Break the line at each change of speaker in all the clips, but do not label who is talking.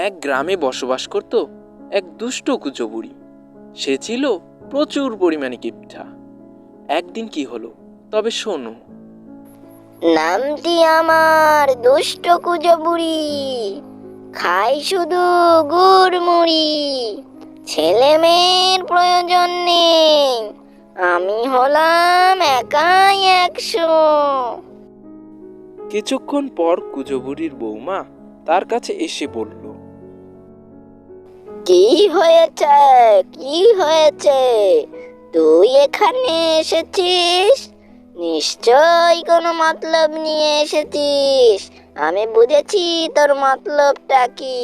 এক গ্রামে বসবাস করত এক দুষ্ট কুচো বুড়ি। সে ছিল প্রচুর পরিমাণে কিপটা। একদিন কি হলো তবে শোনো।
নামটি আমার দুষ্ট কুজো বুড়ি, খাই শুধু গুড় মুড়ি, ছেলে মেয়ের প্রয়োজন নেই, আমি হলাম একাই 100।
কিছুক্ষণ পর কুচো বুড়ির বৌমা তার কাছে এসে বলল,
কি হয়েছে, কি হয়েছে, তুই এখানে এসেছিস? নিশ্চয়ই কোনো মতলব নিয়ে এসেছিস। আমি বুঝেছি তোর মতলবটা কি।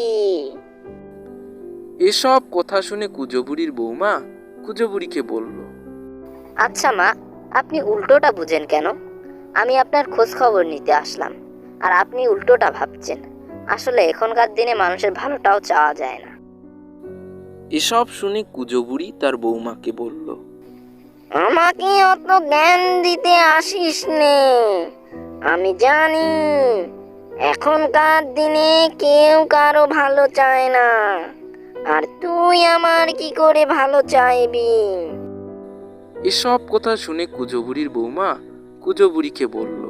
এসব কথা শুনে কুচো বুড়ির বৌমা কুচো বুড়িকে বলল,
আচ্ছা মা, আপনি উল্টোটা বুঝেন কেন? আমি আপনার খোঁজ খবর নিতে আসলাম, আর আপনি উল্টোটা ভাবছেন। আসলে এখনকার দিনে মানুষের ভালোটাও চাওয়া যায় না।
এসব শুনে কুচো বুড়ি তার বৌমাকে বলল,
আমাকে অত জ্ঞান দিতে আসিস নে। আমি জানি এখনকার দিনে কেউ কারো ভালো চায় না, আর তুই আমার কি করে ভালো চাইবি?
এসব কথা শুনে কুচো বুড়ির বৌমা কুচো বুড়িকে বলল,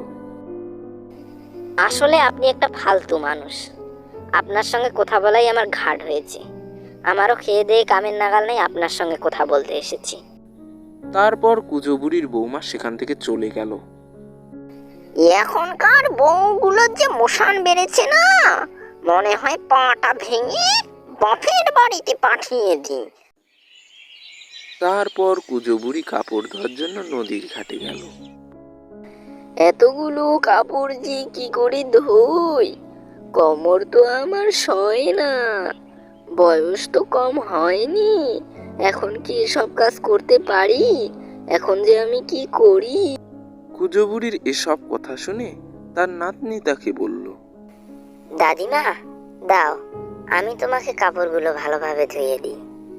আসলে আপনি একটা ফালতু মানুষ। আপনার সঙ্গে কথা বলাই আমার ঘাট হয়েছে। আমারও খেয়ে দিয়ে কামের নাগাল নেই, আপনার সঙ্গে কথা বলতে এসেছি।
তারপর কুচো বুড়ির বৌমা সেখান থেকে চলে গেল।
এখনকার বউগুলোর যে মোশান বেড়েছে না, মনে হয় পাটা ভেঙে বাপের বাড়িতে পাঠিয়ে দিই।
তারপর কুচো বুড়ি কাপড় ধোয়ার জন্য নদীর ঘাটে গেল।
এতগুলো কাপড় যে কি করে ধুই, কোমর তো আমার সয় না, বয়স তো কম হয়নি, এখন কি এসব কাজ করতে পারি? এখন যে আমি কি করি?
কুচো বুড়ির এসব কথা শুনে তার নাতনি তাকে বলল,
দাদিমা, দাও, আমি তোমাকে কাপড়গুলো ভালোভাবে ধুয়ে দিই।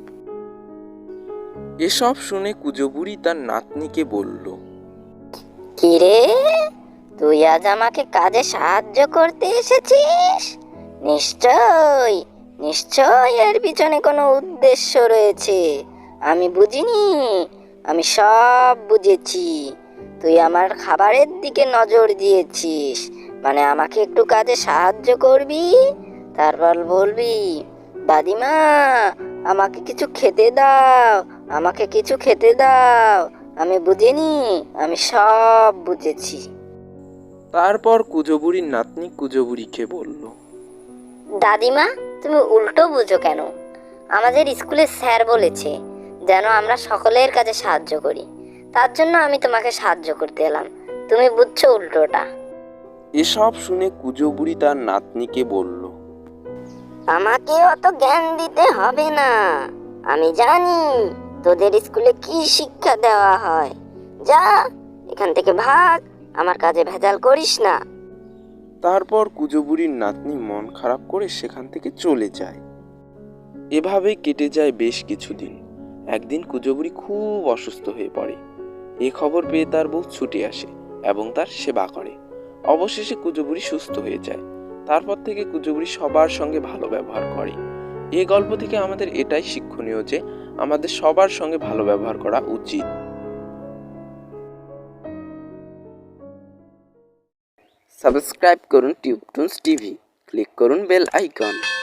এসব শুনে কুচো বুড়ি তার নাতনিকে বলল,
কিরে, তুই আজ আমাকে কাজে সাহায্য করতে এসেছিস? নিশ্চয়, নিশ্চয় এর পিছনে কোনো উদ্দেশ্য রয়েছে। আমি বুঝিনি, আমি সব বুঝেছি। তুই আমার খাবারের দিকে নজর দিয়েছিস, মানে আমাকে একটু কাজে সাহায্য করবি, তারপর বলবি, দাদিমা আমাকে কিছু খেতে দাও, আমাকে কিছু খেতে দাও। আমি বুঝিনি, আমি সব বুঝেছি।
তারপর কুচো বুড়ির নাতনি কুচো বুড়িকে বলল,
দাদিমা, তুমি উল্টো বুঝো কেন? আমাদের স্কুলে স্যার বলেছে যেন আমরা সকলের কাছে সাহায্য করি, তার জন্য আমি তোমাকে সাহায্য করতে এলাম। তুমি বুঝছো উল্টোটা।
এসব শুনে কুচো বুড়ি তার নাতনিকে বলল,
আমাকে অত জ্ঞান দিতে হবে না, আমি জানি তোদের স্কুলে কি শিক্ষা দেওয়া হয়। যা, এখান থেকে ভাগ, আমার কাজে ভেজাল করিস না।
তারপর কুচো বুড়ির নাতনি মন খারাপ করে সেখান থেকে চলে যায়। এভাবেই কেটে যায় বেশ কিছুদিন। একদিন কুচো বুড়ি খুব অসুস্থ হয়ে পড়ে। এ খবর পেয়ে তার বউ ছুটে আসে এবং তার সেবা করে। অবশেষে কুচো বুড়ি সুস্থ হয়ে যায়। তারপর থেকে কুচো বুড়ি সবার সঙ্গে ভালো ব্যবহার করে। এই গল্প থেকে আমাদের এটাই শিক্ষণীয় যে আমাদের সবার সঙ্গে ভালো ব্যবহার করা উচিত। সাবস্ক্রাইব করুন টিউবটুনস টিভি, ক্লিক করুন বেল আইকন।